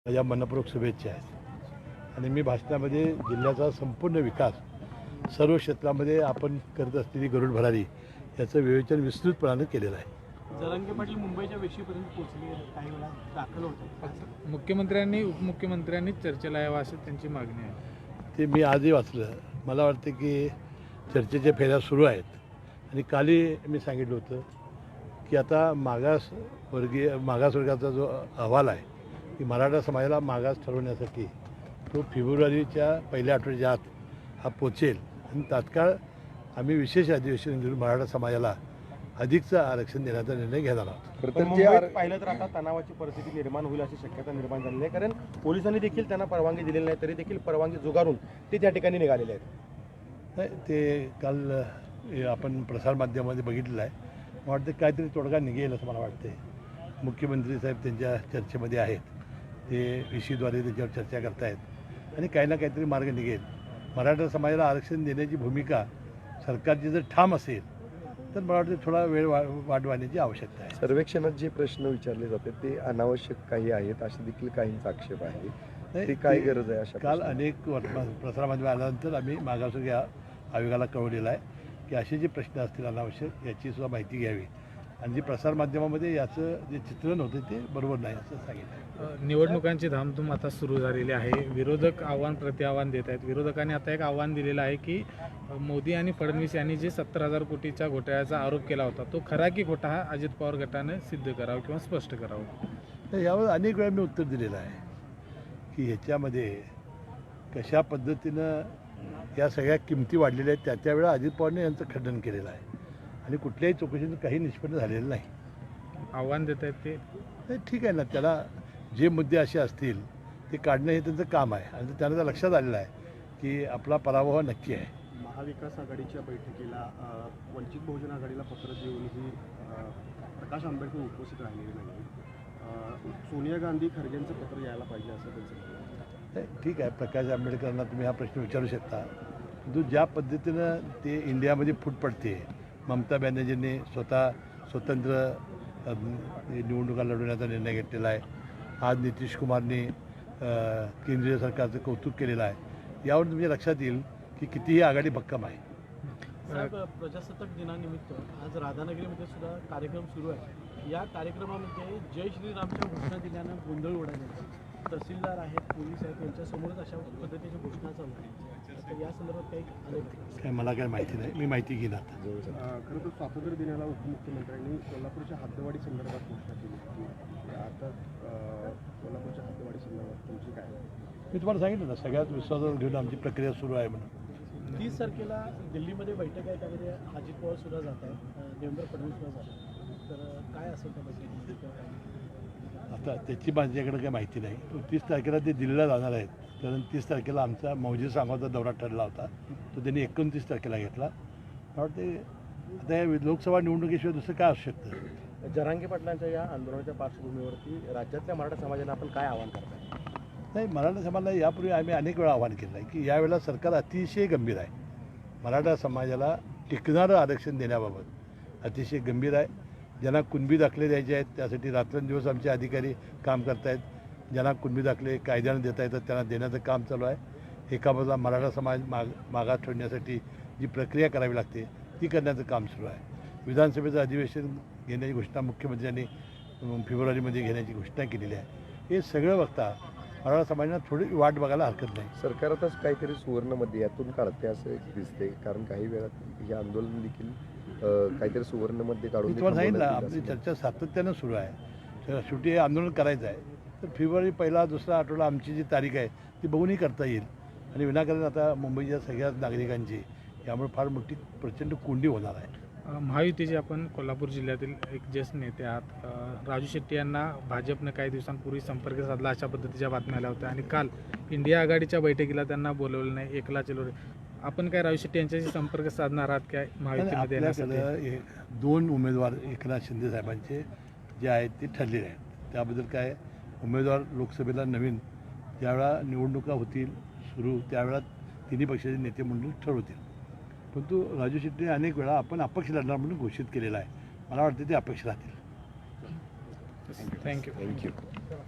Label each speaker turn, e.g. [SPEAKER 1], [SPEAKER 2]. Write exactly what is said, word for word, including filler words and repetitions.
[SPEAKER 1] माझ्या मनपूर्वक शुभेच्छा आहेत आणि मी भाषणामध्ये जिल्ह्याचा संपूर्ण विकास सर्व क्षेत्रामध्ये आपण करत असलेली गरुड भरारी याचं विवेचन विस्तृतपणाने केलेलं आहे.
[SPEAKER 2] जरांगे पाटील मुंबईच्या वेशीपर्यंत पोहोचले, काही वेळा दाखल होते.
[SPEAKER 3] मुख्यमंत्र्यांनी उपमुख्यमंत्र्यांनी चर्चेला यावं अशी त्यांची मागणी आहे.
[SPEAKER 1] ते मी आजही वाचलं. मला वाटतं की चर्चेच्या फेऱ्या सुरू आहेत आणि कालही मी सांगितलं होतं की आता मागास वर्गीय मागासवर्गाचा जो अहवाल आहे की मराठा समाजाला मागास ठरवण्यासाठी तो फेब्रुवारीच्या पहिल्या आठवड्याच्या आत हा पोचेल आणि तात्काळ आम्ही विशेष अधिवेशन घेऊन मराठा समाजाला अधिकचं आरक्षण देण्याचा निर्णय घेणार आहोत.
[SPEAKER 4] पण मुंबईत पाहिलं तर आता तणावाची परिस्थिती निर्माण होईल अशी शक्यता निर्माण झालेली आहे, कारण पोलिसांनी देखील त्यांना परवानगी दिलेली नाही, तरी देखील परवानगी जुगारून ते त्या ठिकाणी निघालेले आहेत.
[SPEAKER 1] नाही, ते काल हे आपण प्रसारमाध्यमामध्ये बघितलेलं आहे. मला वाटतं काहीतरी तोडगा निघेल असं मला वाटते. मुख्यमंत्री साहेब त्यांच्या चर्चेमध्ये आहेत, ते विशीद्वारे त्याच्यावर चर्चा करतायत आणि काही ना काहीतरी मार्ग निघेल. मराठा समाजाला आरक्षण देण्याची भूमिका सरकारची जर ठाम असेल तर मला वाटतं थोडा वेळ वा वाट वाढण्याची आवश्यकता आहे.
[SPEAKER 4] सर्वेक्षणात जे प्रश्न विचारले जाते ते अनावश्यक काही आहेत असे देखील काहींचा आक्षेप आहे.
[SPEAKER 1] नाही,
[SPEAKER 4] ते काय गरज आहे अशा
[SPEAKER 1] काल
[SPEAKER 4] प्रश्नांची?
[SPEAKER 1] अनेक वर्तमान प्रसारमाध्यम आल्यानंतर आम्ही मागासवर्गीय आयोगाला कळवलेलं आहे की असे जे प्रश्न असतील अनावश्यक याची सुद्धा माहिती घ्यावी आणि जे प्रसारमाध्यमामध्ये याचं जे चित्रण होतं ते बरोबर नाही असं सांगितलं.
[SPEAKER 3] निवडणुकांची धामधूम आता सुरू झालेली आहे. विरोधक आव्हान प्रतिआव्हान देत आहेत. विरोधकांनी आता एक आव्हान दिलेलं आहे की मोदी आणि फडणवीस यांनी जे सत्तर हजार कोटीच्या घोटाळ्याचा आरोप केला होता तो खरा की खोटा हा अजित पवार गटाने सिद्ध करावं किंवा स्पष्ट करावं.
[SPEAKER 1] तर यावर अनेक वेळा मी उत्तर दिलेलं आहे की ह्याच्यामध्ये कशा पद्धतीनं या सगळ्या किमती वाढलेल्या आहेत त्या त्यावेळा अजित पवारने यांचं खंडन केलेलं आहे आणि कुठल्याही चौकशीतून काही निष्पन्न झालेलं नाही.
[SPEAKER 3] आव्हान देत आहेत ते.
[SPEAKER 1] नाही, ठीक आहे ना, त्याला जे मुद्दे असे असतील ते काढणं हे त्यांचं काम आहे आणि त्यांना तर लक्षात आलेलं आहे की आपला पराभव नक्की आहे.
[SPEAKER 2] महाविकास आघाडीच्या बैठकीला अ, वंचित बहुजन आघाडीला पत्र देऊनही अ, प्रकाश आंबेडकर उपस्थित राहिलेले नाही. अ, सोनिया गांधी खरगेंचं पत्र यायला पाहिजे असं त्यांचं म्हणणं आहे.
[SPEAKER 1] नाही, ठीक आहे, प्रकाश आंबेडकरांना तुम्ही हा प्रश्न विचारू शकता. जो ज्या पद्धतीनं ते इंडियामध्ये फूट पडते, ममता बॅनर्जींनी स्वतः स्वतंत्र अ, निवडणुका लढवण्याचा निर्णय घेतलेला आहे. आज नितीश कुमारने अ, केंद्रीय सरकारचं कौतुक केलेलं आहे. यावर तुमच्या लक्षात येईल की कितीही आघाडी भक्कम आहे.
[SPEAKER 2] साहेब, प्रजासत्ताक दिनानिमित्त आज राधानगरीमध्ये सुद्धा कार्यक्रम सुरू आहे. या कार्यक्रमामध्ये जय श्रीरामच्या घोषणा दिल्यानं गोंधळ उडाले. तहसीलदार आहेत, पोलीस आहेत, यांच्यासमोरच अशा पद्धतीच्या घोषणा चालू आहेत. तर या संदर्भात काही आले
[SPEAKER 1] काय मला काय माहिती नाही, मी माहिती घेईन आता.
[SPEAKER 2] खरं तर स्वातंत्र्य दिनाला उपमुख्यमंत्र्यांनी कोल्हापूरच्या हद्दवाढी संदर्भात घोषणा केली होती. आता अ, कोल्हापूरच्या हद्दवाढी संदर्भात तुमची काय?
[SPEAKER 1] मी तुम्हाला सांगितलं ना, सगळ्यात विश्वासात घेऊन आमची प्रक्रिया सुरू आहे म्हणून.
[SPEAKER 2] तीस तारखेला दिल्लीमध्ये बैठक आहे, त्यामध्ये अजित पवार सुद्धा जात आहेत, देवेंद्र फडणवीस सुद्धा जात आहेत. तर काय असेल त्या बैठकीत?
[SPEAKER 1] आता त्याची माझ्याकडे काही माहिती नाही. तीस तारखेला ते दिल्लीला जाणार आहेत, कारण तीस तारखेला आमचा मौजे सांगोचा दौरा ठरला होता, तो त्यांनी एकोणतीस तारखेला घेतला. मला वाटते आता या लोकसभा निवडणुकीशिवाय दुसरं काय असू शकतं.
[SPEAKER 4] जरांगे पाटलांच्या या आंदोलनाच्या पार्श्वभूमीवरती राज्यातल्या मराठा समाजाला आपण काय आवाहन करताय?
[SPEAKER 1] नाही, मराठा समाजाला यापूर्वी आम्ही अनेक वेळा आवाहन केलं आहे की यावेळेला सरकार अतिशय गंभीर आहे. मराठा समाजाला टिकणारं आरक्षण देण्याबाबत अतिशय गंभीर आहे. ज्यांना कुणबी दाखले द्यायचे आहेत त्यासाठी रात्रंदिवस आमचे अधिकारी काम करत आहेत. ज्यांना कुणबी दाखले कायद्यानं देता येतात त्यांना देण्याचं काम चालू आहे. एका बाजूला मराठा समाज माग मागास ठेवण्यासाठी जी प्रक्रिया करावी लागते ती करण्याचं काम सुरू आहे. विधानसभेचं अधिवेशन घेण्याची घोषणा मुख्यमंत्र्यांनी फेब्रुवारीमध्ये घेण्याची घोषणा केलेली आहे. हे सगळं बघता मराठा समाजाला थोडी वाट बघायला हरकत नाही.
[SPEAKER 4] सरकार आताच काहीतरी सुवर्णमध्ये यातून काढते असं दिसते, कारण काही वेळात हे आंदोलन देखील अ, काहीतरी सुवर्णमध्ये काढून
[SPEAKER 1] मी तुम्हाला सांगितलं
[SPEAKER 4] थांबवण्यात
[SPEAKER 1] आपली
[SPEAKER 4] येईल असं.
[SPEAKER 1] चर्चा सातत्यानं सुरू आहे. तर शेवटी हे आंदोलन करायचं आहे तर फेब्रुवारी पहिला दुसरा आठवडा आमची जी तारीख आहे ती बघूनही करता येईल आणि विनाकारण आता मुंबईच्या सगळ्याच नागरिकांची यामुळे फार मोठी प्रचंड कोंडी होणार आहे.
[SPEAKER 3] महायुतीचे आपण कोल्हापूर जिल्ह्यातील एक ज्येष्ठ नेते आहात. अ, राजू शेट्टी यांना भाजपनं काही दिवसांपूर्वी संपर्क साधला अशा पद्धतीच्या बातम्या आल्या होत्या आणि काल इंडिया आघाडीच्या बैठकीला त्यांना बोलवलं नाही, एकला चलो. आपण काय राजू शेट्टी यांच्याशी संपर्क साधणार आहात काय महायुतीमध्ये येण्यासाठी?
[SPEAKER 1] आपल्याकडं हे दोन उमेदवार एकनाथ शिंदे साहेबांचे जे आहेत ते ठरलेले आहेत. त्याबद्दल काय उमेदवार लोकसभेला नवीन ज्यावेळा निवडणुका होतील सुरू त्यावेळा तिन्ही पक्षाचे नेते मंडळी ठरवतील. परंतु राजू शेट्टी अनेक वेळा आपण अपक्ष लढणार म्हणून घोषित केलेला आहे. मला वाटतं ते अपक्ष राहतील.
[SPEAKER 3] थँक्यू.
[SPEAKER 4] थँक्यू.